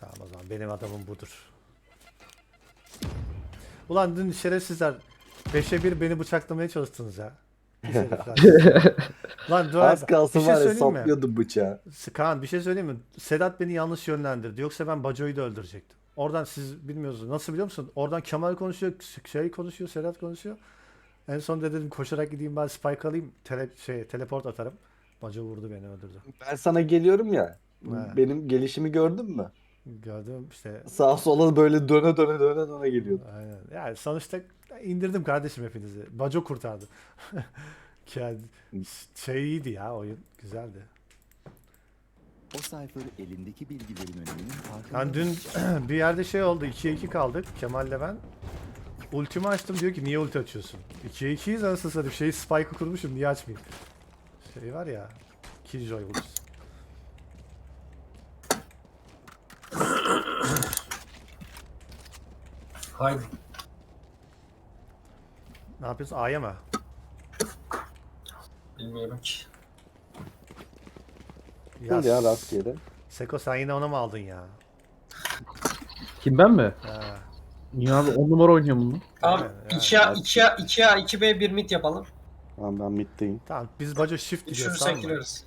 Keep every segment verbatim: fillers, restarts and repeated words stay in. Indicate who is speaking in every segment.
Speaker 1: Tamam o zaman benim adamım budur. Ulan dün şerefsizler beşe bir beni bıçaklamaya çalıştınız ya. Pis herifler. Lan dur
Speaker 2: Az
Speaker 1: abi,
Speaker 2: kalsın
Speaker 1: bir şey
Speaker 2: var ya
Speaker 1: söyleyeyim mi?
Speaker 2: saplıyordum bıçağı.
Speaker 1: Kaan bir şey söyleyeyim mi? Sedat beni yanlış yönlendirdi. Yoksa ben Baco'yu da öldürecektim. Oradan siz bilmiyorsunuz. Nasıl biliyor musun? Oradan Kemal konuşuyor, şey konuşuyor, Sedat konuşuyor. En son da dedim koşarak gideyim ben spike alayım. Tele, şey, teleport atarım. Baco vurdu beni öldürdü.
Speaker 2: Ben sana geliyorum ya.
Speaker 1: He.
Speaker 2: Benim gelişimi gördün mü?
Speaker 1: Gördüm işte.
Speaker 2: Sağa sola böyle döne döne döne döne geliyordum.
Speaker 1: Aynen. Yani sonuçta indirdim kardeşim hepinizi. Baco kurtardı. Yani şey iyiydi ya oyun. Güzeldi.
Speaker 3: O Cypher elindeki bilgilerin öneminin farkında.
Speaker 1: Yani dün bir yerde şey oldu. ikiye iki kaldık. Kemal'le ben. Ultimi açtım diyor ki niye ulti açıyorsun? ikiye ikiyiz anasını satayım. Şeyi spike'ı kurmuşum niye açmayayım? Şey var ya. Killjoy ultisi.
Speaker 4: Haydi.
Speaker 1: Ne yapıyorsun? A'ya mı?
Speaker 4: Bilmiyorum ki.
Speaker 1: Ya,
Speaker 2: Ya rastgele.
Speaker 1: Seko sen yine ona mı aldın ya?
Speaker 5: Kim ben mi?
Speaker 1: Ha.
Speaker 5: Niye abi on numara oynuyor bunu?
Speaker 4: Tamam.
Speaker 1: Yani,
Speaker 4: iki A, iki A, iki A, iki B, bir mid yapalım.
Speaker 2: Tamam ben middeyim.
Speaker 1: Tamam biz Baco shift gidiyoruz tamam
Speaker 4: Düşürürsek
Speaker 1: mı?
Speaker 4: gireriz.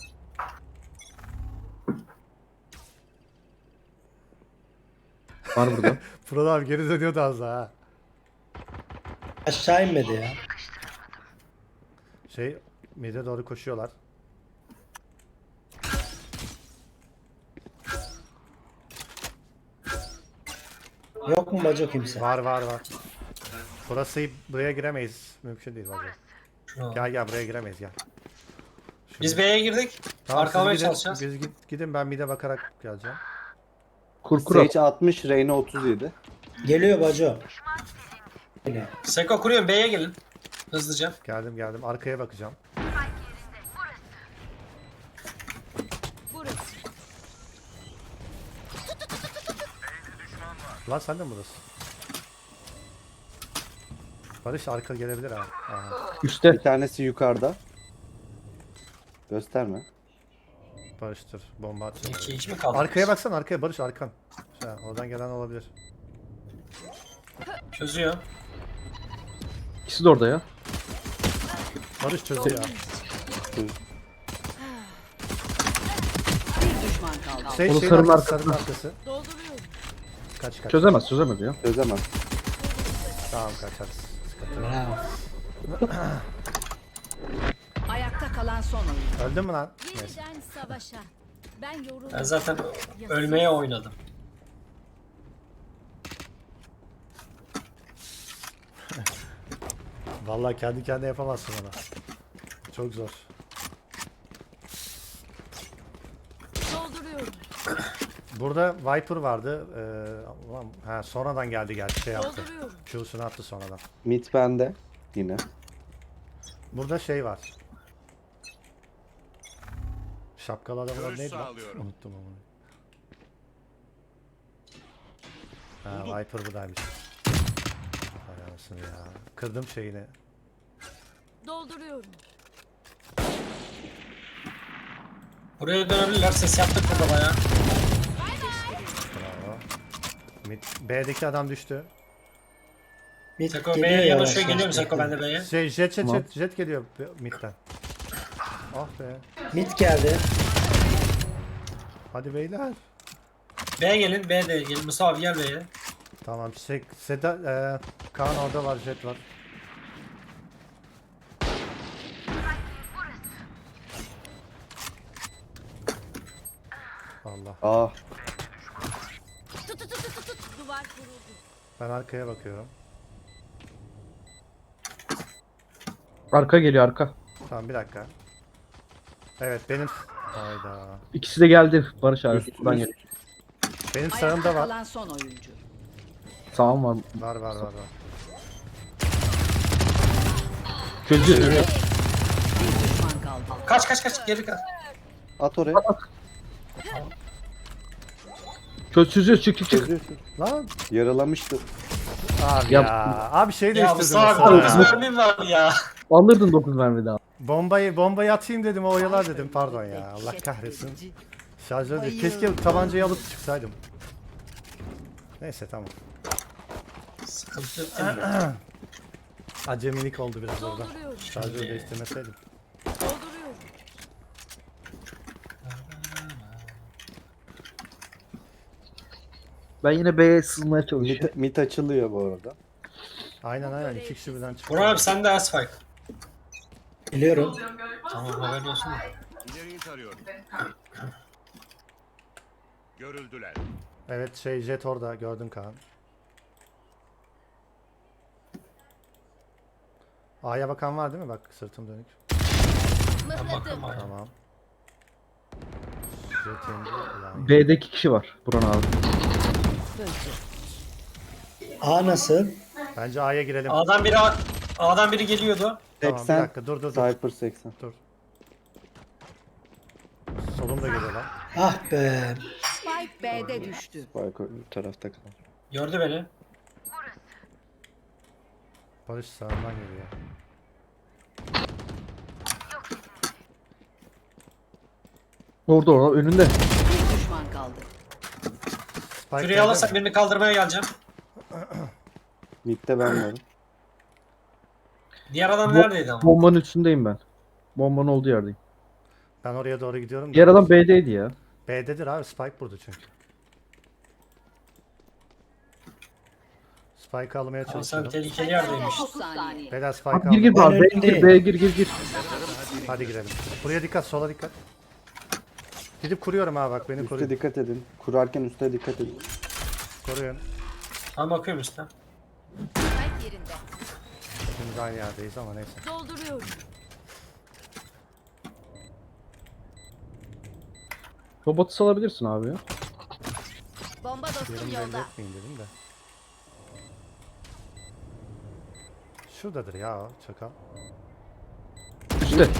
Speaker 5: Var burada.
Speaker 1: Fırat abi geri dönüyordu az daha ha.
Speaker 6: Aşağı inmedi ya.
Speaker 1: Şey mid'e doğru koşuyorlar.
Speaker 6: Yok mu bacı kimse?
Speaker 1: Var var var. Burası buraya giremeyiz. Mümkün değil Baco.
Speaker 4: Şuna.
Speaker 1: Gel gel buraya giremeyiz gel. Şurada.
Speaker 4: Biz B'ye girdik.
Speaker 1: Tamam, siz
Speaker 4: Arkalamaya
Speaker 1: gidin,
Speaker 4: çalışacağız.
Speaker 1: Biz git, gidin ben mid'e bakarak geleceğim.
Speaker 5: Kur kur.
Speaker 2: Sage altmış, Reyna otuz yedi.
Speaker 6: Geliyor bacı. Geliyor.
Speaker 4: Seko kuruyorum, B'ye gelin. Hızlıca.
Speaker 1: Geldim geldim arkaya bakacağım. Lan sen de mi buradasın? Barış arka gelebilir abi. Aha,
Speaker 2: Bir
Speaker 5: Üste.
Speaker 2: tanesi yukarıda. Gösterme.
Speaker 1: Barış'tır. Bomba atacağım.
Speaker 4: iki iki mi kaldı?
Speaker 1: Arkaya baksana arkaya Barış arkan. Ha, oradan gelen olabilir.
Speaker 4: Çözüyor.
Speaker 5: İkisi de orada ya.
Speaker 1: Barış çözüyor ya.
Speaker 7: Bir düşman kaldı.
Speaker 1: Şey,
Speaker 5: Onu
Speaker 1: şeyin
Speaker 5: sarının
Speaker 1: arkası,
Speaker 5: arkasına.
Speaker 1: sarının arkası.
Speaker 7: Dolduruyorum.
Speaker 1: Kaç kaç.
Speaker 5: Çözemez çözemez ya.
Speaker 2: Çözemem.
Speaker 1: Tamam kaçarız. Sıkıntı yok.
Speaker 6: Bravo.
Speaker 7: Ayakta kalan son oyun.
Speaker 1: Öldün mü lan? Neyse.
Speaker 7: Yeniden savaşa. Ben yoruldum.
Speaker 4: Ben zaten ölmeye oynadım.
Speaker 1: Vallahi kendi kendine yapamazsın onu. Çok zor.
Speaker 7: Dolduruyorum.
Speaker 1: Burada Viper vardı. Ee, ulan, ha, sonradan geldi gerçi şey yaptı.
Speaker 7: Dolduruyorum.
Speaker 1: Q'sunu attı sonradan.
Speaker 2: Mid bende. Yine.
Speaker 1: Burada şey var. Şapkalı adamın adı neydi lan? Unuttum onu. Ha, Viper buradaymış. Hay anasını ya. Kırdım şeyini.
Speaker 7: Dolduruyorum.
Speaker 4: Buraya dönebilirler. Ses yaptık burada bayağı.
Speaker 1: Bravo. Mid, B'deki adam düştü.
Speaker 6: Mid
Speaker 4: Seko
Speaker 6: geliyor
Speaker 4: B'ye
Speaker 6: yavaş
Speaker 4: yanaşıyor. Geliyor mu
Speaker 6: yavaş.
Speaker 4: Seko ben de B'ye?
Speaker 1: Şey, jet jet
Speaker 5: Tamam.
Speaker 1: jet jet geliyor midden. Ah be.
Speaker 6: Mid geldi.
Speaker 1: Hadi beyler.
Speaker 4: B'ye gelin. B'ye gelin. Mustafa abi gel B'ye.
Speaker 1: Tamam. Şey, Seda, e, Kaan orada var, jet var. Allah.
Speaker 2: Ah.
Speaker 7: Tut tut tut tut tut. Duvar kuruldu.
Speaker 1: Ben arkaya bakıyorum.
Speaker 5: Arka geliyor arka.
Speaker 1: Tamam bir dakika. Evet benim... Hayda.
Speaker 5: İkisi de geldi Barış abi.
Speaker 2: Üst-
Speaker 5: Ben
Speaker 2: üst.
Speaker 5: gel.
Speaker 1: Benim
Speaker 7: Ayakta
Speaker 1: sağımda var.
Speaker 7: kalan son oyuncu.
Speaker 5: Sağım var.
Speaker 1: Var var var var.
Speaker 5: Çözüyor.
Speaker 7: Bir düşman kaldı.
Speaker 4: Kaç kaç kaç. Geri kaç.
Speaker 2: At oraya.
Speaker 5: Çöz çözüyor çık çık çık.
Speaker 2: Çözüyorsun.
Speaker 1: Lan.
Speaker 2: Yaralamıştı.
Speaker 1: Abi
Speaker 5: Ya-
Speaker 1: ya. Abi şey
Speaker 4: Ya
Speaker 1: değiştirdim.
Speaker 4: Mustafa
Speaker 1: mesela
Speaker 4: abi
Speaker 1: ya.
Speaker 4: dokuz mermim var ya.
Speaker 5: Alırdın dokuz mermi daha.
Speaker 1: Bombayı bombayı atayım dedim o oyalar dedim pardon ya. Allah kahretsin. Şarjör değil. Keşke tabancayı alıp çıksaydım. Neyse tamam.
Speaker 4: Sıkıntı yok değil mi?
Speaker 1: Acemilik oldu biraz orada.
Speaker 7: Dolduruyorum.
Speaker 1: Şarjör değiştirmeseydim.
Speaker 7: Dolduruyorum.
Speaker 5: Ben yine B'ye sızmaya çalışıyorum.
Speaker 2: Mit, mit açılıyor bu arada.
Speaker 1: Aynen aynen iki kişi birden çıktı.
Speaker 4: Burak abi sen de Asfike.
Speaker 6: Biliyorum.
Speaker 4: Tamam haberin olsun.
Speaker 8: İleriyi tarıyorum. Görüldüler.
Speaker 1: Evet şey jet orada gördün Kaan. A'ya bakan var değil mi? Bak sırtım dönük.
Speaker 7: Mıhladım.
Speaker 1: Tamam. Jet indi. Ulan
Speaker 5: B'de iki kişi var. Buran abi.
Speaker 6: A nasıl?
Speaker 1: bence A'ya girelim.
Speaker 4: A'dan biri A'dan biri geliyordu.
Speaker 1: Tamam bir
Speaker 2: seksen.
Speaker 1: dakika dur dur dur.
Speaker 2: Cypher seksen.
Speaker 1: Dur. Solum da geliyor lan.
Speaker 6: Ah be.
Speaker 7: Spike B'de düştü.
Speaker 2: Spike öbür tarafta kaldı.
Speaker 4: Gördü beni.
Speaker 1: Barış sağından geliyor.
Speaker 5: Orada orada önünde.
Speaker 7: Bir düşman kaldı.
Speaker 1: Spike
Speaker 4: Şurayı
Speaker 1: geldi
Speaker 4: alırsak
Speaker 1: mi?
Speaker 4: birini kaldırmaya geleceğim.
Speaker 2: Mid'de ben varım.
Speaker 4: Diğer adam
Speaker 5: Bu-
Speaker 4: neredeydi ama?
Speaker 5: Bombanın üstündeyim ben. Bombanın olduğu yerdeyim.
Speaker 1: Ben oraya doğru gidiyorum. da.
Speaker 5: Diğer adam B'deydi ya.
Speaker 1: B'dedir abi. Spike burada çünkü. Spike almaya
Speaker 4: Ama sen
Speaker 1: çalışıyorum.
Speaker 4: tehlikeli yerdeymiş.
Speaker 7: otuz saniye.
Speaker 1: Beyler Spike
Speaker 5: Abi gir gir
Speaker 1: aldım.
Speaker 5: abi.
Speaker 6: Ben
Speaker 5: B'ye gir,
Speaker 6: önündeyim.
Speaker 5: B'ye gir gir gir.
Speaker 1: Hadi girelim. Buraya dikkat, sola dikkat. Gidip kuruyorum ha bak beni
Speaker 2: Üste
Speaker 1: koruyun.
Speaker 2: dikkat edin. Kurarken üste dikkat edin.
Speaker 1: Koruyun.
Speaker 4: Tam bakıyorum üstten.
Speaker 7: Spike yerinde.
Speaker 1: Şimdi aynı yerdeyiz ama neyse.
Speaker 7: Dolduruyorum.
Speaker 5: Robotu salabilirsin abi ya.
Speaker 7: Bomba dostum
Speaker 1: Yerim belli
Speaker 7: yolda.
Speaker 1: etmeyin dedim de. Şuradadır ya o çakal.
Speaker 5: İşte.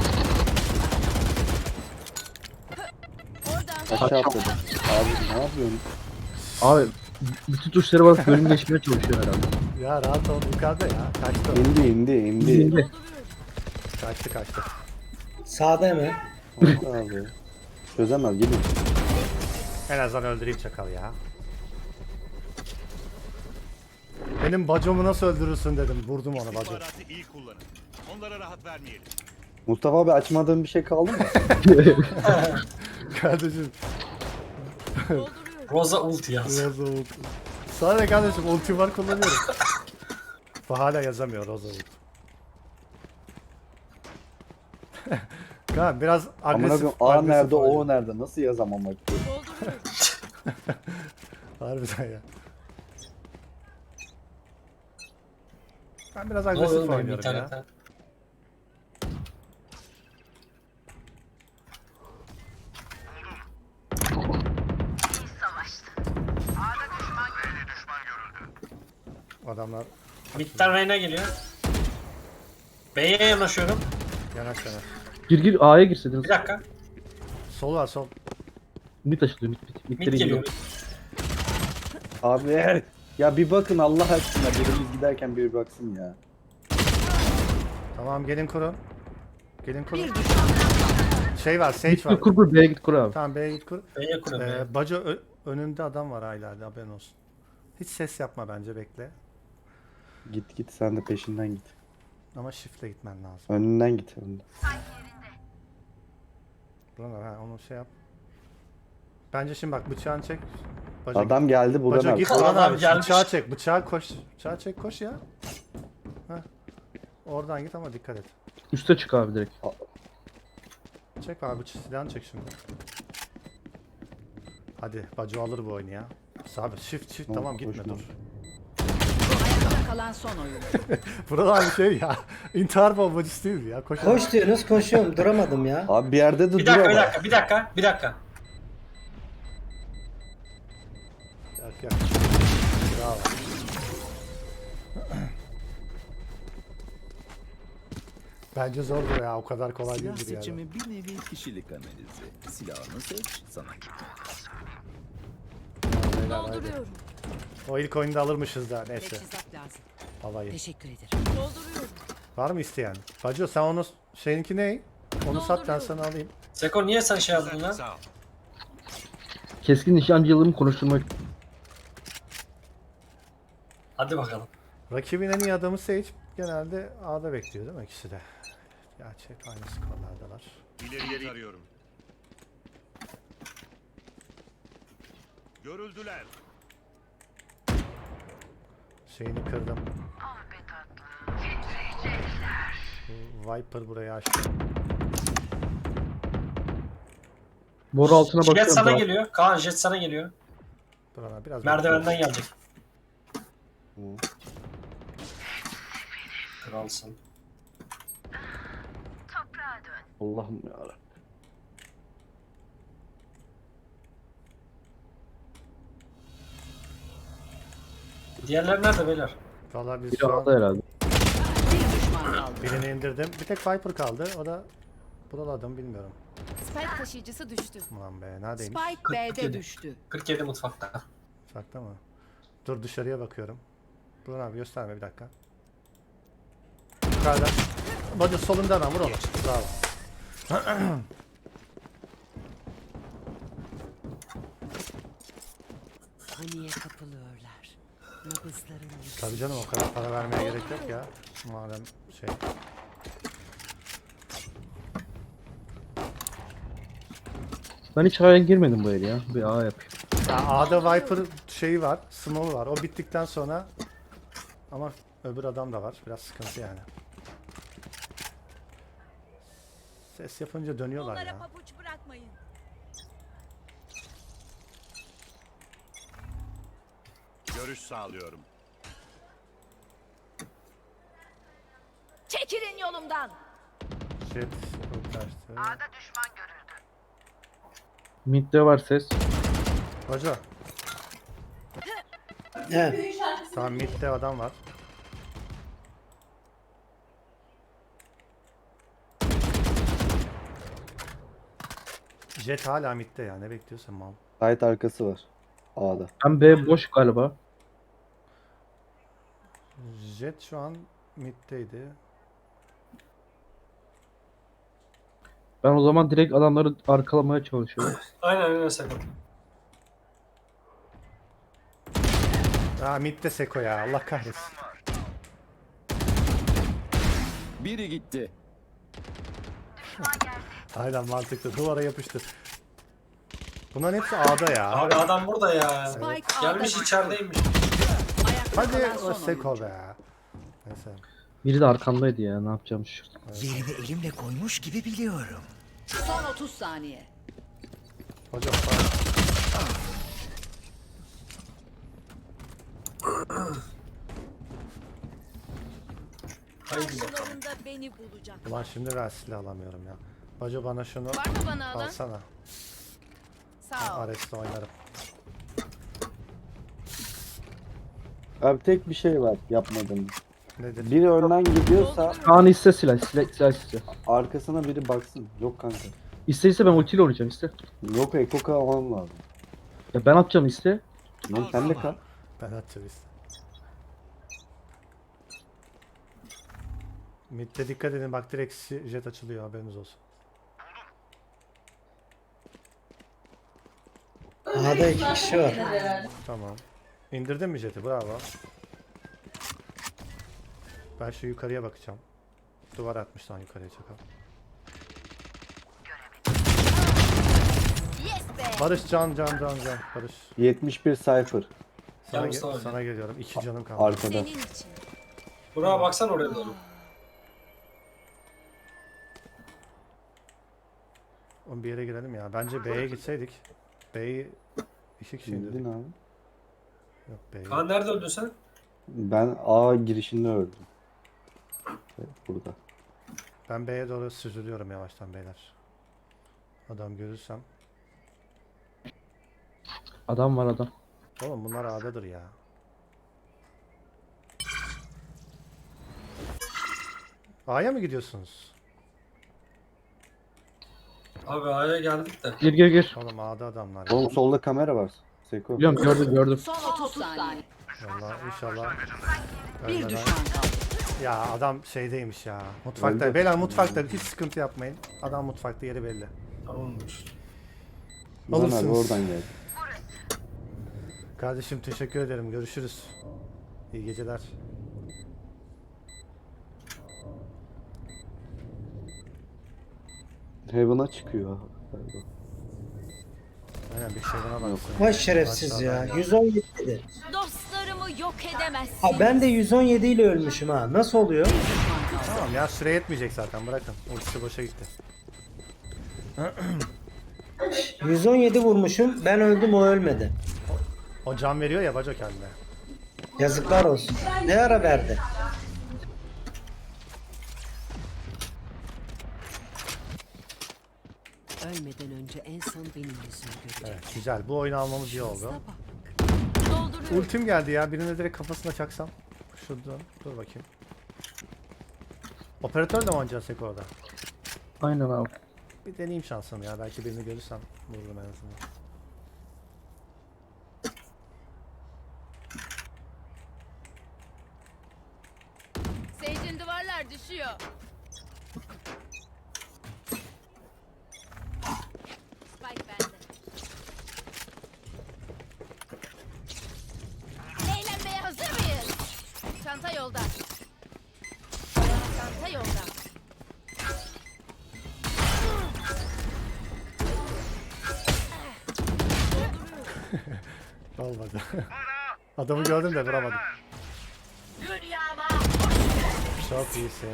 Speaker 7: Oradan.
Speaker 2: Aşağı atladı. Abi ne yapıyorsun?
Speaker 5: Abi bütün tuşlara basıp bölüm geçmeye çalışıyor herhalde.
Speaker 1: Ya rahat ol yukarıda ya. Kaçtı o.
Speaker 2: İndi indi indi.
Speaker 5: İndi.
Speaker 7: Dolduruyorum.
Speaker 1: Kaçtı kaçtı.
Speaker 6: Sağda hemen.
Speaker 2: Abi. Çözemez gidin.
Speaker 1: En azından öldüreyim çakal ya. Benim bacomu nasıl öldürürsün dedim. Vurdum onu bacom.
Speaker 8: İstihbaratı iyi kullanın. Onlara rahat vermeyelim.
Speaker 2: Mustafa abi açmadığın bir şey kaldı mı?
Speaker 1: Kardeşim.
Speaker 7: Dolduruyorum.
Speaker 4: Rosa ulti yaz.
Speaker 1: Roza ult. Sana ne kardeşim ulti var kullanıyorum. Bu hala yazamıyor Roza ult. Kaan biraz
Speaker 2: Amına
Speaker 1: agresif.
Speaker 2: koyayım A
Speaker 1: agresif
Speaker 2: nerede
Speaker 1: oynuyor.
Speaker 2: O nerede? Nasıl yazamam bak.
Speaker 7: Dolduruyorum.
Speaker 1: Harbiden ya. Ben biraz
Speaker 4: Ne oluyor
Speaker 1: agresif
Speaker 4: oğlum benim
Speaker 1: oynuyorum ya.
Speaker 4: internetten?
Speaker 1: Adamlar
Speaker 4: Mid'den Reyna geliyor. B'ye yanaşıyorum.
Speaker 1: yanak yanak.
Speaker 5: Gir gir A'ya girseydiniz.
Speaker 4: Bir dakika.
Speaker 1: Sol var sol.
Speaker 5: Mid açılıyor mid mid.
Speaker 4: Mid
Speaker 5: Midleri
Speaker 4: geliyor.
Speaker 5: geliyor.
Speaker 2: Abi ya bir bakın Allah aşkına birimiz giderken biri baksın ya.
Speaker 1: Tamam gelin kurun. Gelin kurun.
Speaker 7: Bir düşman kaldı.
Speaker 1: Şey var Sage
Speaker 5: Git
Speaker 1: var.
Speaker 5: kur kur B'ye git kur abi.
Speaker 1: Tamam B'ye git kur.
Speaker 4: B'ye kuruyorum. B'ye.
Speaker 1: Ee, Baco ö- önünde adam var hala hadi haberin olsun. Hiç ses yapma bence bekle.
Speaker 2: Git git sen de peşinden git.
Speaker 1: Ama shift'le gitmen lazım.
Speaker 2: Önünden git. Önünden.
Speaker 1: Buralar ha onu şey yap. Bence şimdi bak bıçağını çek. Baco,
Speaker 2: Adam geldi buradan
Speaker 1: Baco
Speaker 2: abi.
Speaker 1: git
Speaker 4: Adam
Speaker 1: Orhan abi
Speaker 4: gelmiş.
Speaker 1: bıçağı çek. Bıçağı koş. Bıçağı çek koş ya. Heh. Oradan git ama dikkat et.
Speaker 5: Üste çık abi direkt.
Speaker 1: Çek abi bıçağı silahını çek şimdi. Hadi Baco alır bu oyunu ya. Sabit shift shift
Speaker 2: Tamam,
Speaker 1: tamam gitme
Speaker 2: koşma.
Speaker 1: dur.
Speaker 7: Ayakta kalan son oyun.
Speaker 1: Buralar bir şey ya. İntihar bombacısı değil mi ya? Koş.
Speaker 6: Koş diyorsunuz koşuyorum. Duramadım ya.
Speaker 2: Abi bir yerde de
Speaker 4: Bir
Speaker 2: dur
Speaker 4: dakika bir
Speaker 2: ama.
Speaker 4: dakika bir dakika bir dakika.
Speaker 1: Yak yak. Bravo. Bence zordur ya o kadar kolay
Speaker 3: Silah
Speaker 1: değildir yani.
Speaker 3: seçimi bir nevi kişilik analizi. Silahını seç, sana
Speaker 1: Beyler, haydi.
Speaker 7: Dolduruyorum.
Speaker 1: O ilk oyunda alırmışız da neyse.
Speaker 7: Teçhizat lazım.
Speaker 1: Havayı.
Speaker 7: Teşekkür ederim. Dolduruyorum.
Speaker 1: Var mı isteyen? Bacı sen onu şeyinki ne? Onu sat ben sana alayım.
Speaker 4: Seko niye sen şey yazdın lan?
Speaker 8: Sağ ol.
Speaker 5: Keskin nişancılığımı konuşturmak.
Speaker 4: Hadi bakalım.
Speaker 1: Rakibin en iyi adamı Sage genelde A'da bekliyor değil mi ikisi de? Gerçek aynı skorlardalar.
Speaker 8: İleriyi tarıyorum. Görüldüler.
Speaker 1: Şeyini kırdım. Bu Viper burayı açtı.
Speaker 5: Boru altına
Speaker 4: Jet
Speaker 5: bakıyorum.
Speaker 4: sana
Speaker 5: daha.
Speaker 4: geliyor. Kaan jet sana geliyor.
Speaker 1: Burana biraz
Speaker 4: Merdivenden
Speaker 1: bekliyoruz.
Speaker 4: gelecek. Kralsın.
Speaker 2: Allah'ım yarabbim.
Speaker 4: Diğerleri nerede beyler?
Speaker 1: Valla biz
Speaker 5: Biri
Speaker 1: şu
Speaker 5: aldı
Speaker 1: an
Speaker 5: herhalde.
Speaker 7: Bir düşman kaldı.
Speaker 1: birini indirdim. Bir tek Viper kaldı. O da buraladım bilmiyorum.
Speaker 7: Spike taşıyıcısı düştü.
Speaker 1: Ulan be neredeymiş?
Speaker 7: Spike B'de
Speaker 4: yedi.
Speaker 7: düştü.
Speaker 4: kırk yedi mutfakta.
Speaker 1: Sakta mı? Dur dışarıya bakıyorum. Burhan abi gösterme bir dakika. Yukarıda. Bacı solunda hemen vur onu. Bravo.
Speaker 7: Paniğe kapılıyorlar. Nabızların
Speaker 1: Tabii canım o kadar para vermeye gerek yok ya. Madem şey.
Speaker 5: Ben hiç A'ya girmedim bu el ya. Bir A yapayım.
Speaker 1: Ya A'da Viper şeyi var. Smoke var. O bittikten sonra ama öbür adam da var. Biraz sıkıntı yani. Ses yapınca dönüyorlar
Speaker 7: Onlara
Speaker 1: ya.
Speaker 7: pabuç bırakmayın.
Speaker 8: Görüş sağlıyorum.
Speaker 7: Çekilin yolumdan.
Speaker 1: Jet kaçtı.
Speaker 5: Mid'de var ses.
Speaker 1: Hoca.
Speaker 6: He.
Speaker 1: Tamam midde adam var. Jet hala midde ya. Ne bekliyorsun mal?
Speaker 2: Site arkası var. A'da.
Speaker 5: Ben B boş galiba.
Speaker 1: Jet şu an middeydi.
Speaker 5: Ben o zaman direkt adamları arkalamaya çalışıyorum.
Speaker 4: Aynen öyle sakın.
Speaker 1: Aa midde Seko ya. Allah kahretsin.
Speaker 3: Biri gitti.
Speaker 1: Aynen mantıklı. Duvara yapıştır. Bunların hepsi A'da ya.
Speaker 4: Abi adam burada ya.
Speaker 7: Spike A'da
Speaker 4: Gelmiş
Speaker 7: düştü.
Speaker 4: içerideymiş.
Speaker 7: Ayakta
Speaker 1: Hadi
Speaker 7: kalan
Speaker 1: o
Speaker 7: son
Speaker 1: Seko
Speaker 7: oyuncu.
Speaker 1: be. Neyse.
Speaker 5: Biri de arkamdaydı ya. Ne yapacağım şurada.
Speaker 9: Yerini elimle koymuş gibi biliyorum.
Speaker 7: Son otuz saniye.
Speaker 1: Hocam bak.
Speaker 4: Haydi bakalım.
Speaker 7: Karşılarında beni bulacak.
Speaker 1: Ulan şimdi ben silah alamıyorum ya. Bacı bana şunu
Speaker 7: Var mı bana alan?
Speaker 1: alsana.
Speaker 7: Sağ ol.
Speaker 1: Ares'le oynarım.
Speaker 2: Abi tek bir şey var yapmadım.
Speaker 1: Nedir?
Speaker 2: Biri önden gidiyorsa
Speaker 5: Kaan iste silah. Silah, silah iste.
Speaker 2: arkasına biri baksın. Yok kanka.
Speaker 5: İste iste ben ultiyle oynayacağım iste.
Speaker 2: Yok Ekoka almam lazım.
Speaker 5: Ya ben atacağım iste.
Speaker 2: Lan sen de kal.
Speaker 1: Ben atacağım işte. Mid'de dikkat edin bak direkt si- jet açılıyor haberiniz olsun.
Speaker 6: A'da iki kişi var.
Speaker 1: Tamam. İndirdin mi jeti? Bravo. Ben şu yukarıya bakacağım. Duvar atmış lan yukarıya çakal.
Speaker 7: Yes be.
Speaker 1: Barış can can can can. Barış.
Speaker 2: yetmiş bir Cypher
Speaker 1: Sana,
Speaker 4: Gel
Speaker 1: ge-
Speaker 4: Mustafa.
Speaker 1: sana geliyorum. İki canım kaldı.
Speaker 2: arkada.
Speaker 7: Senin için.
Speaker 4: Buraya baksan oraya doğru.
Speaker 1: Oğlum bir yere girelim ya. Bence B'ye gitseydik. B'yi iki kişi
Speaker 2: Bildin
Speaker 1: indirdik.
Speaker 2: abi.
Speaker 1: Yok B'yi.
Speaker 4: Kaan nerede öldün sen?
Speaker 2: Ben A girişinde öldüm. Evet, burada.
Speaker 1: Ben B'ye doğru süzülüyorum yavaştan beyler. Adam görürsem.
Speaker 5: Adam var adam.
Speaker 1: Oğlum bunlar A'dadır ya. A'ya mı gidiyorsunuz?
Speaker 4: Abi A'ya geldik de.
Speaker 5: Gir gir gir.
Speaker 1: Oğlum A'da adamlar ya.
Speaker 2: Oğlum solda kamera var. Seko.
Speaker 5: Biliyorum gördüm gördüm.
Speaker 7: Son otuz saniye.
Speaker 1: Vallahi inşallah.
Speaker 7: Bir
Speaker 1: ölmeden-
Speaker 7: düşman kaldı.
Speaker 1: Ya adam şeydeymiş ya. Mutfakta.
Speaker 2: Öldü.
Speaker 1: Beyler mutfakta hiç sıkıntı yapmayın. Adam mutfakta yeri belli.
Speaker 4: Tamamdır.
Speaker 2: Lan abi
Speaker 1: alırsınız.
Speaker 2: oradan geldi.
Speaker 1: Kardeşim teşekkür ederim. Görüşürüz. İyi geceler.
Speaker 2: Heaven'a çıkıyor. galiba.
Speaker 1: Aynen bir şey bana baksın.
Speaker 6: Vay şerefsiz ya. yüz on yedi dedi.
Speaker 7: Dostlarımı yok edemezsin.
Speaker 6: Ha ben de yüz on yedi ile ölmüşüm ha. Nasıl oluyor?
Speaker 1: Tamam ya, süre yetmeyecek zaten, bırakın. Ultisi boşa gitti.
Speaker 6: yüz on yedi vurmuşum. Ben öldüm, o ölmedi.
Speaker 1: O can veriyor ya Baco kendine.
Speaker 6: Yazıklar olsun. Ne ara verdi?
Speaker 10: Ölmeden önce en son benim yüzümü görecek.
Speaker 1: Evet, güzel. Bu oyunu almamız iyi oldu.
Speaker 7: Dolduruyorum.
Speaker 1: Ultim geldi ya. Birine direkt kafasına çaksam. Şurada. Dur bakayım. Operatör de mi oynayacaksın Seko orada?
Speaker 5: Aynen abi.
Speaker 1: Bir deneyeyim şansımı ya. Belki birini görürsem vururum en azından.
Speaker 7: Sage'in duvarlar düşüyor. Spike bende. Eğlenmeye hazır mıyız? Çanta yolda. Çanta yolda.
Speaker 1: Olmadı. Adamı gördüm de vuramadım. Çok iyisin.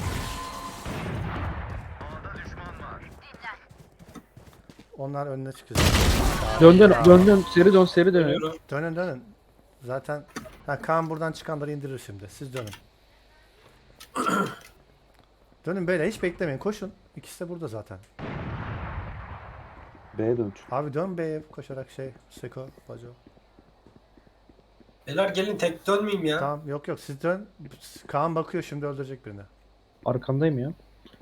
Speaker 1: Onlar önüne çıkacak.
Speaker 5: Dön dön dön dön seri dön seri dön.
Speaker 4: Dönüyorum.
Speaker 1: Dönün dönün. Zaten ha, Kaan buradan çıkanları indirir şimdi. Siz dönün. Dönün böyle, hiç beklemeyin. Koşun. İkisi de burada zaten.
Speaker 2: B'ye dön.
Speaker 1: Abi dön B'ye koşarak şey. Seko, Baco.
Speaker 4: Beyler gelin, tek dönmeyeyim ya.
Speaker 1: Tamam, yok yok, siz dön. Kaan bakıyor, şimdi öldürecek birini.
Speaker 5: Arkandayım ya.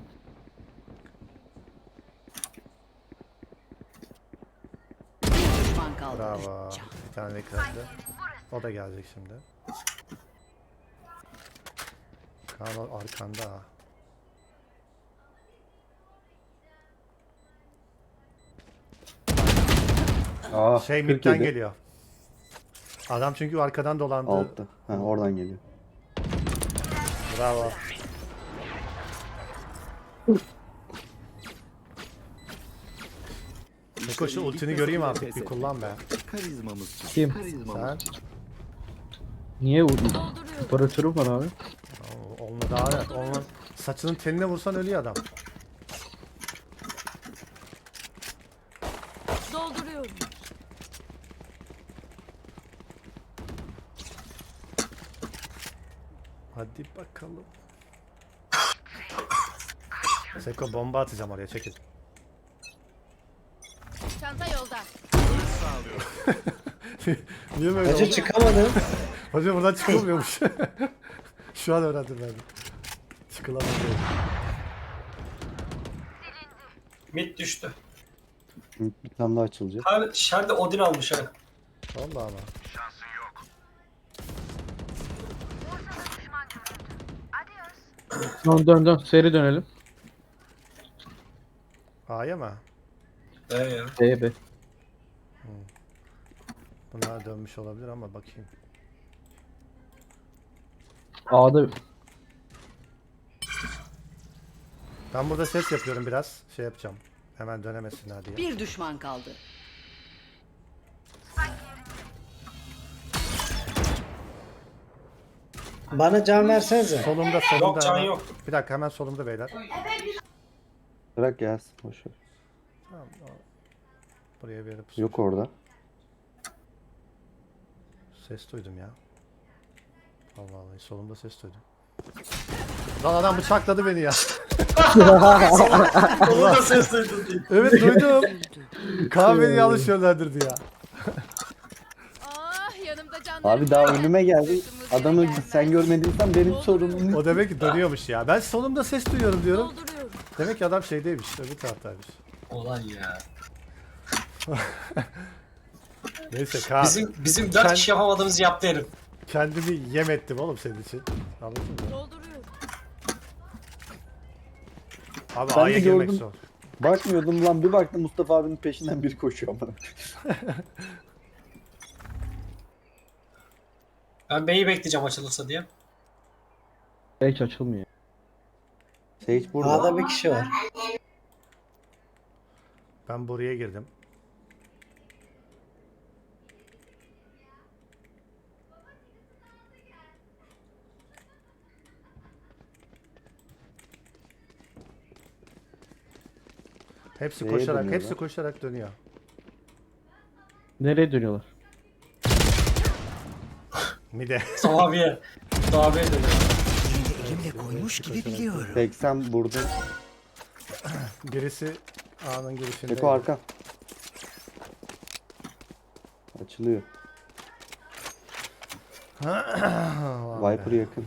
Speaker 10: Bir düşman kaldı.
Speaker 1: Bravo. Bir tane de kırıldı. O da gelecek şimdi. Kaan o arkanda ha.
Speaker 2: Aa,
Speaker 1: Şey
Speaker 2: kırk
Speaker 1: midden
Speaker 2: yedi.
Speaker 1: geliyor. Adam çünkü arkadan dolandı.
Speaker 2: Altta. Ha, oradan geliyor.
Speaker 1: Bravo. Seko şu ultini göreyim artık, bir kullan be.
Speaker 3: Karizmamız için.
Speaker 5: Kim?
Speaker 3: Karizmamız
Speaker 1: Sen?
Speaker 3: için.
Speaker 5: Niye vurdun?
Speaker 7: Dolduruyorum.
Speaker 5: Operatörüm var abi.
Speaker 1: Oo, Olmadı daha, olmaz. Saçının teline vursan ölüyor adam.
Speaker 7: Dolduruyorum.
Speaker 1: Hadi bakalım. Seko bomba atacağım oraya, çekil.
Speaker 7: Çanta yolda.
Speaker 1: Niye böyle
Speaker 6: Hacı
Speaker 1: oldu?
Speaker 6: çıkamadım.
Speaker 1: Hocam buradan çıkılmıyormuş. Şu an öğrendim ben. de. Çıkılamadı.
Speaker 4: Mid düştü.
Speaker 2: Bir tane daha açılacak.
Speaker 4: Abi Şerde Odin almış ha.
Speaker 1: Vallahi ama.
Speaker 5: Dön dön dön seri dönelim.
Speaker 1: A'ya mı?
Speaker 4: Ee ya.
Speaker 5: B B.
Speaker 1: Bunlar dönmüş olabilir ama bakayım.
Speaker 5: A'da
Speaker 1: Ben burada ses yapıyorum biraz. Şey yapacağım. Hemen dönemesinler diye.
Speaker 10: Bir düşman kaldı.
Speaker 6: Bana can versenize.
Speaker 1: Solumda solumda.
Speaker 4: Yok, can
Speaker 1: hemen.
Speaker 4: yok.
Speaker 1: Bir dakika, hemen solumda beyler.
Speaker 2: Bırak gelsin. Boşver.
Speaker 1: Tamam, o- buraya bir yere pusu.
Speaker 2: Yok orada.
Speaker 1: Ses duydum ya. Allah Allah, solumda ses duydum. Lan adam bıçakladı beni ya.
Speaker 4: Onu da ses duydum diye.
Speaker 1: Evet duydum. Kaan beni yanlış yönlendirdi ya.
Speaker 7: Ah yanımda canlarım.
Speaker 2: Abi daha
Speaker 7: varken
Speaker 2: önüme geldi.
Speaker 7: sırtımızda
Speaker 2: Adamı
Speaker 7: gelmez.
Speaker 2: sen görmediysen benim sorunum.
Speaker 1: O demek ki dönüyormuş ya. Ben solumda ses duyuyorum diyorum.
Speaker 7: Dolduruyorum.
Speaker 1: Demek ki adam şeydeymiş, öbür taraftaymış.
Speaker 4: Olan ya.
Speaker 1: Neyse Kaan,
Speaker 4: Bizim bizim dört
Speaker 1: Sen-
Speaker 4: kişi yapamadığımızı yaptı herif.
Speaker 1: kendimi yem ettim oğlum senin için. Anladın mı?
Speaker 7: Dolduruyorum.
Speaker 1: Abi
Speaker 2: Ben
Speaker 1: A'ya
Speaker 2: de
Speaker 1: girmek
Speaker 2: gördüm.
Speaker 1: zor.
Speaker 2: Bakmıyordum lan, bir baktım Mustafa abinin peşinden biri koşuyor bana.
Speaker 4: Ben B'yi bekleyeceğim açılırsa diye.
Speaker 5: Hiç açılmıyor.
Speaker 2: Sage burada.
Speaker 6: A'da bir kişi var.
Speaker 1: Ben buraya girdim. Hepsi
Speaker 2: Neye
Speaker 1: koşarak,
Speaker 2: dönüyorlar?
Speaker 1: hepsi koşarak dönüyor.
Speaker 5: Nereye dönüyorlar?
Speaker 1: Mide.
Speaker 4: Abiye. Abiye dönüyor.
Speaker 9: Elimle koymuş gibi biliyorum.
Speaker 2: seksen burada.
Speaker 1: Birisi A'nın girişinde.
Speaker 2: Seko arka. Açılıyor.
Speaker 1: Vay be.
Speaker 2: Viper yakın.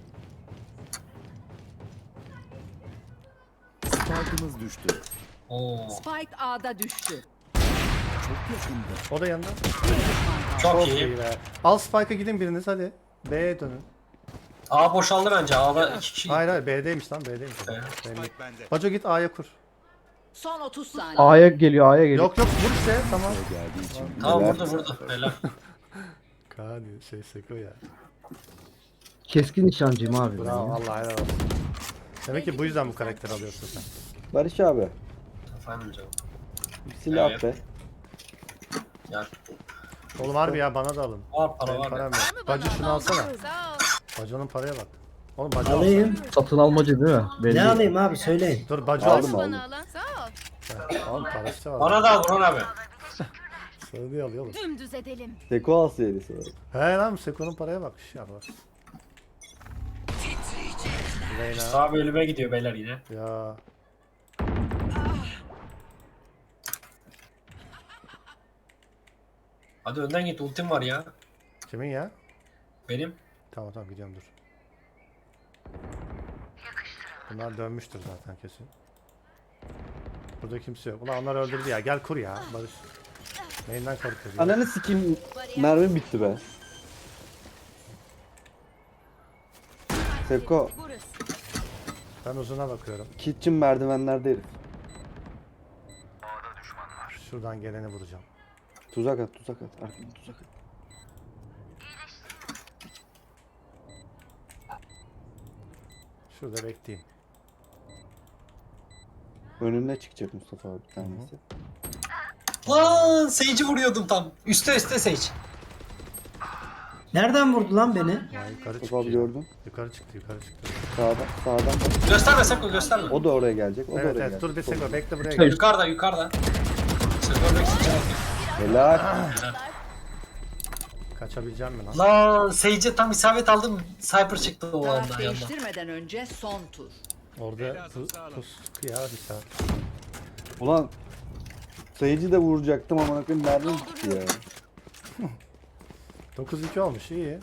Speaker 3: Spike'ımız düştü.
Speaker 4: Oo.
Speaker 10: Spike A'da düştü.
Speaker 3: Çok yakında.
Speaker 1: O da yanında.
Speaker 4: Çok
Speaker 1: Çok
Speaker 4: iyi.
Speaker 1: iyi be. Al Spike'a gidin biriniz hadi. B'ye dönün.
Speaker 4: A boşaldı bence. A'da iki kişi.
Speaker 1: Hayır hayır B'deymiş lan B'deymiş.
Speaker 4: Evet.
Speaker 1: Belli.
Speaker 8: Spike bende.
Speaker 1: Baco git A'ya kur.
Speaker 10: Son otuz saniye.
Speaker 5: A'ya geliyor, A'ya geliyor.
Speaker 1: Yok yok vur işte tamam.
Speaker 3: O geldiği için
Speaker 4: Tamam
Speaker 2: Helal.
Speaker 4: vurdu vurdu. Helal.
Speaker 1: Kaan şey Seko ya.
Speaker 5: Keskin nişancıyım abi. ben
Speaker 1: Bravo
Speaker 5: ya.
Speaker 1: Allah helal olsun. Demek ki bu yüzden bu karakter alıyorsun sen.
Speaker 2: Barış abi.
Speaker 4: Efendim canım.
Speaker 2: Bir silah
Speaker 4: Evet.
Speaker 2: be.
Speaker 4: Gel.
Speaker 1: Oğlum harbi ya bana da alın.
Speaker 4: Var para
Speaker 1: Benim
Speaker 4: var.
Speaker 1: param
Speaker 4: ya.
Speaker 1: yok. Bacı şunu alsana.
Speaker 7: Sağ ol.
Speaker 1: Baco'nun paraya bak. Oğlum Baco
Speaker 6: Alayım.
Speaker 5: Satın almacı değil mi? Belli.
Speaker 6: Ne alayım abi söyleyin.
Speaker 1: Dur Baco
Speaker 2: Aldım
Speaker 1: alsın.
Speaker 2: aldım.
Speaker 7: Bana alan sağ ol.
Speaker 1: Oğlum parası da var.
Speaker 4: Bana da al Burhan abi.
Speaker 1: Sana niye alıyor oğlum?
Speaker 7: Dümdüz edelim.
Speaker 2: Seko alsaydı sonra.
Speaker 1: He lan Seko'nun paraya bak. Ya bak. Reyna.
Speaker 4: Sağ bölüme gidiyor beyler yine.
Speaker 1: Ya.
Speaker 4: Hadi önden git ultim var ya.
Speaker 1: Kimin ya?
Speaker 4: Benim.
Speaker 1: Tamam tamam gidiyorum dur. Bunlar dönmüştür zaten kesin. Burada kimse yok. Ulan onlar öldürdü ya. Gel kur ya Barış. Neyinden korkuyorsun? ya?
Speaker 2: Ananı sikeyim. Mermi bitti be. Seko.
Speaker 7: Burası.
Speaker 1: Ben uzuna bakıyorum.
Speaker 2: Kitchen merdivenlerde herif.
Speaker 1: Şuradan geleni vuracağım.
Speaker 2: Tuzak at tuzak at. Arkadan tuzak at.
Speaker 1: Şurada bekleyeyim.
Speaker 2: Önüne çıkacak Mustafa abi bir tanesi.
Speaker 4: Lan Sage'i vuruyordum tam. Üste üste Sage.
Speaker 6: Nereden vurdu lan beni?
Speaker 1: Ya yukarı çıktı.
Speaker 2: Mustafa abi gördün.
Speaker 1: Yukarı çıktı yukarı çıktı.
Speaker 2: Sağdan. Sağdan.
Speaker 4: Gösterme Seko gösterme.
Speaker 2: O da oraya gelecek. O da
Speaker 1: Evet
Speaker 2: oraya
Speaker 1: evet
Speaker 2: gelecek.
Speaker 1: dur bir Seko bekle buraya
Speaker 5: Hayır.
Speaker 1: gel.
Speaker 4: Yukarıda yukarıda. Seko bekleyeceğim.
Speaker 2: Helal.
Speaker 1: Kaçabileceğim mi lan?
Speaker 4: Lan Sage'e tam isabet aldım. Sniper çıktı o
Speaker 10: Taraf
Speaker 4: anda yandan.
Speaker 10: değiştirmeden önce son tur.
Speaker 1: Orada pus, pus ya bir saat.
Speaker 2: Ulan sayıcı da vuracaktım ama bakın mermi bitti ya.
Speaker 1: dokuz iki olmuş iyi.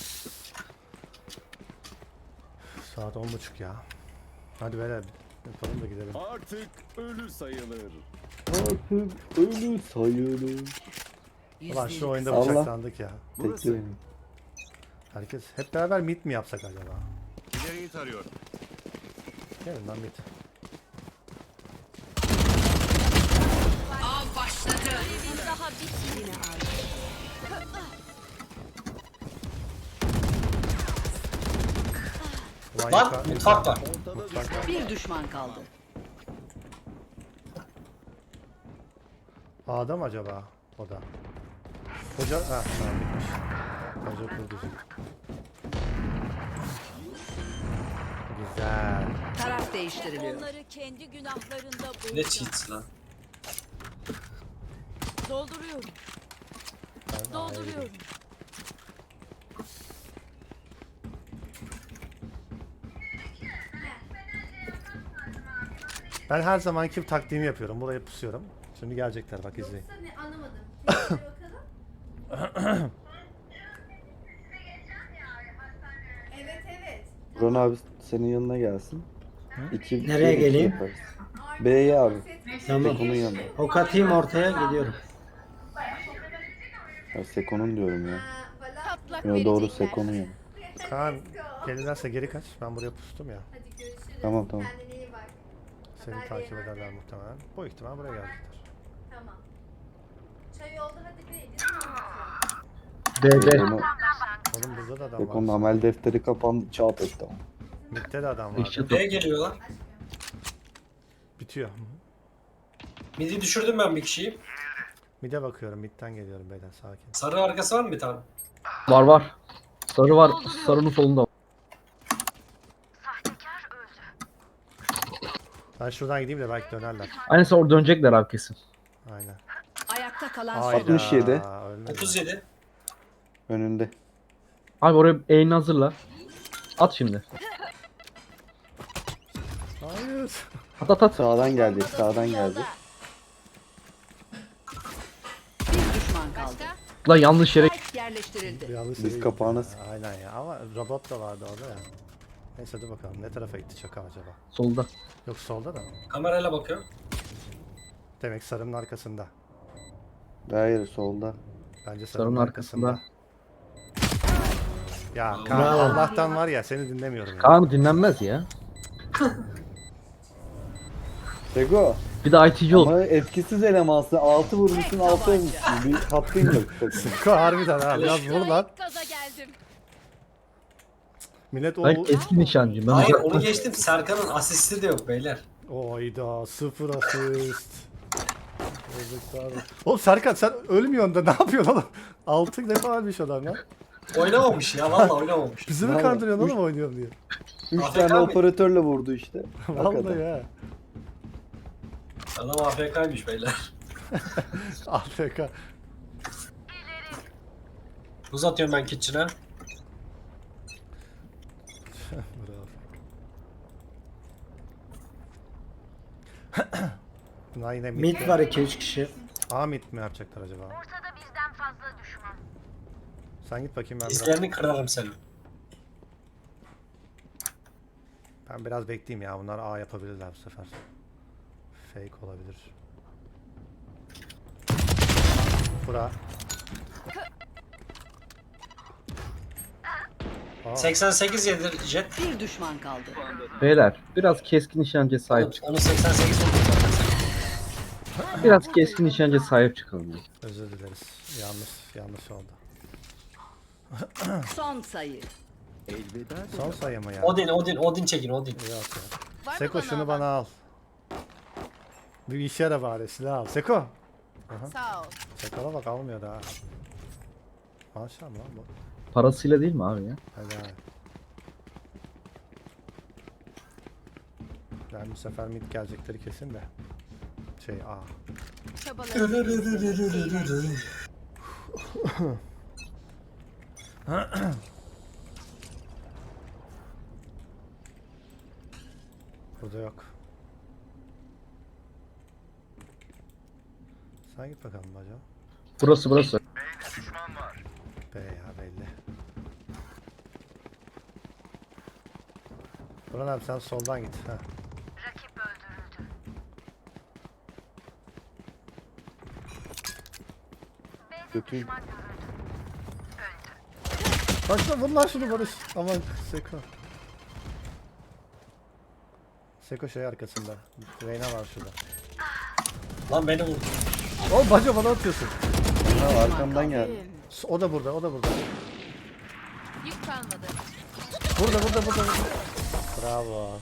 Speaker 1: Saat on buçuk ya. Hadi beyler yapalım da gidelim.
Speaker 3: Artık ölü sayılır.
Speaker 2: Artık ölü sayılır.
Speaker 1: Ulan şu oyunda
Speaker 2: Allah.
Speaker 1: bıçaklandık ya.
Speaker 3: Burası.
Speaker 2: Bekle beni.
Speaker 1: Herkes hep beraber mit mi yapsak acaba?
Speaker 8: İleriyi tarıyorum.
Speaker 1: Gelin lan mit.
Speaker 10: Av başladı.
Speaker 7: Daha bitmedi.
Speaker 1: Ulan
Speaker 4: Lan
Speaker 1: yukarı-
Speaker 4: mutfak var.
Speaker 3: Ortada
Speaker 1: Mutfak var.
Speaker 10: Bir düşman kaldı.
Speaker 1: A'da mı acaba? O da. Hoca... Ha tamam bitmiş. Hoca kurdu. Güzel.
Speaker 10: Taraf değiştiriliyor.
Speaker 7: Onları kendi günahlarında
Speaker 4: Ne
Speaker 7: bulacağım.
Speaker 4: cheats lan.
Speaker 7: Dolduruyorum.
Speaker 1: Ben A'ya
Speaker 7: Dolduruyorum.
Speaker 1: gidiyorum. Ben her zamanki taktiğimi yapıyorum. Buraya pusuyorum. Şimdi gelecekler bak izleyin.
Speaker 11: Ne anlamadım. Tekrar bakalım. Evet evet.
Speaker 2: Ron abi senin yanına gelsin. İki,
Speaker 6: Nereye
Speaker 2: iki
Speaker 6: geleyim?
Speaker 2: yaparız. B'ye abi.
Speaker 6: Tamam.
Speaker 2: Seko'nun yanına.
Speaker 6: Ok atayım ortaya gidiyorum.
Speaker 2: Ya Seko'nun diyorum ya.
Speaker 7: Patlak
Speaker 2: Yo, doğru
Speaker 7: verecekler.
Speaker 2: Seko'nun yanı.
Speaker 1: Kaan gelirlerse geri kaç. Ben buraya pustum ya.
Speaker 11: Hadi görüşürüz.
Speaker 2: Tamam, tamam.
Speaker 11: Kendine iyi bak.
Speaker 1: Seni
Speaker 11: Haber
Speaker 1: takip
Speaker 11: verin.
Speaker 1: ederler muhtemelen. Bu ihtimal buraya gelecekler.
Speaker 11: Tamam. Çay oldu hadi bir. Değil mi?
Speaker 5: D D.
Speaker 2: Onu
Speaker 1: Oğlum burada da adam
Speaker 2: Seko'nun
Speaker 1: var.
Speaker 2: amel defteri kapandı. Çat etti ama.
Speaker 1: Mid'de de adam var.
Speaker 5: Eşit
Speaker 4: Neye geliyorlar?
Speaker 1: Bitiyor.
Speaker 4: Midi düşürdüm ben bir kişiyi.
Speaker 1: Mid'e bakıyorum. Mid'den geliyorum beyler sakin.
Speaker 4: Sarı arkası var mı bir tane?
Speaker 5: var var. Sarı var. Sarının solunda.
Speaker 1: Ben şuradan gideyim de belki dönerler.
Speaker 5: Aynen sen orada dönecekler abi kesin.
Speaker 1: Aynen.
Speaker 10: Ayakta kalan son.
Speaker 1: Hayda,
Speaker 2: altmış yedi.
Speaker 1: ölmedi.
Speaker 4: otuz yedi.
Speaker 2: Önünde.
Speaker 5: Abi oraya eğini hazırla. At şimdi.
Speaker 1: Hayır.
Speaker 5: At at at.
Speaker 2: Sağdan geldi. Sağdan geldi.
Speaker 10: Bir düşman kaldı.
Speaker 7: Başka?
Speaker 5: Lan yanlış yere.
Speaker 10: Spike yerleştirildi.
Speaker 1: Yanlış
Speaker 2: Biz
Speaker 1: yere gitti
Speaker 2: kapağına
Speaker 1: ya.
Speaker 2: sık-
Speaker 1: Aynen ya ama robot da vardı orada ya. Neyse dur bakalım ne tarafa gitti çakal acaba?
Speaker 5: Solda.
Speaker 1: Yok solda da mı?
Speaker 4: Kamerayla bakıyor.
Speaker 1: Demek sarının arkasında.
Speaker 2: Hayır solda.
Speaker 1: Bence sarının,
Speaker 5: Sarının
Speaker 1: arkasında.
Speaker 5: arkasında.
Speaker 1: Ya Kaan
Speaker 6: Bravo.
Speaker 1: Allah'tan var ya seni dinlemiyorum ya.
Speaker 5: Kaan dinlenmez ya.
Speaker 2: Seko.
Speaker 5: Bir de I T'ci ol.
Speaker 2: Ama etkisiz elemansın. altı vurmuşsun altı ölmüşsün. Bir hakkın yok.
Speaker 1: Seko harbiden ha biraz vur lan.
Speaker 7: Gaza geldim.
Speaker 1: Millet o...
Speaker 5: Ben keskin nişancıyım. Ben
Speaker 4: Hayır
Speaker 5: uzaktan-
Speaker 4: onu geçtim. Serkan'ın asisti de yok beyler.
Speaker 1: Oyda sıfır asist. Yazıklar. Oğlum Serkan sen ölmüyorsun da ne yapıyorsun oğlum? altı defa ölmüş adam lan.
Speaker 4: Oynamamış ya vallahi oynamamış.
Speaker 1: Bizi mi
Speaker 2: Vallahi.
Speaker 1: kandırıyorsun oğlum oynuyorum diye.
Speaker 2: üç
Speaker 4: A F K
Speaker 2: tane
Speaker 4: mı?
Speaker 2: operatörle vurdu işte.
Speaker 1: Vallahi ya.
Speaker 4: Adam A F K'ymış beyler.
Speaker 1: A F K.
Speaker 4: Buz atıyorum ben kitchen'a.
Speaker 1: Bravo. Bunlar yine mid.
Speaker 6: Mid var iki üç kişi.
Speaker 1: A mid mi yapacaklar acaba? Ortada bizden fazla düşman. Sen git bakayım ben biraz.
Speaker 4: İzlerini kırarım seni.
Speaker 1: Ben biraz bekleyeyim ya. Bunlar A yapabilirler bu sefer. Fake olabilir. Bura. Aa,
Speaker 4: seksen sekiz yedir jet.
Speaker 10: Bir düşman kaldı.
Speaker 5: Beyler biraz keskin nişancıya sahip çık.
Speaker 4: Onu seksen sekiz vurdum zaten.
Speaker 5: Biraz keskin nişancıya sahip çıkalım. ya.
Speaker 1: özür dileriz. Yanlış yanlış oldu.
Speaker 10: Son sayı.
Speaker 3: Elveda.
Speaker 1: Son sayı mı ya?
Speaker 4: Odin, Odin, Odin çekin Odin.
Speaker 1: Yok ya.
Speaker 7: Var mı
Speaker 1: Seko
Speaker 7: bana
Speaker 1: şunu
Speaker 7: alan?
Speaker 1: bana al. Bir işe yara bari silah al. Seko.
Speaker 7: Sağ ol.
Speaker 1: Seko'la bak almıyor daha. Maşallah lan bu.
Speaker 5: Parasıyla değil mi abi ya?
Speaker 1: Hadi abi. Ben bu sefer mid gelecekleri kesin de. Şey A.
Speaker 7: Çabalarım.
Speaker 1: Burada yok. Sen git bakalım baca.
Speaker 5: Burası burası.
Speaker 1: B ya belli. Burhan abi sen soldan git. Ha.
Speaker 2: Kötü.
Speaker 1: Başla vur lan şunu Barış. Aman Seko. Seko şey arkasında. Reyna var şurada.
Speaker 4: Lan beni vurdu.
Speaker 1: Oğlum baca bana atıyorsun.
Speaker 2: Ha, arkamdan geldi.
Speaker 1: O da burada, o da burada.
Speaker 7: Yük kalmadı.
Speaker 1: Burada, burada, burada. burada. Bravo.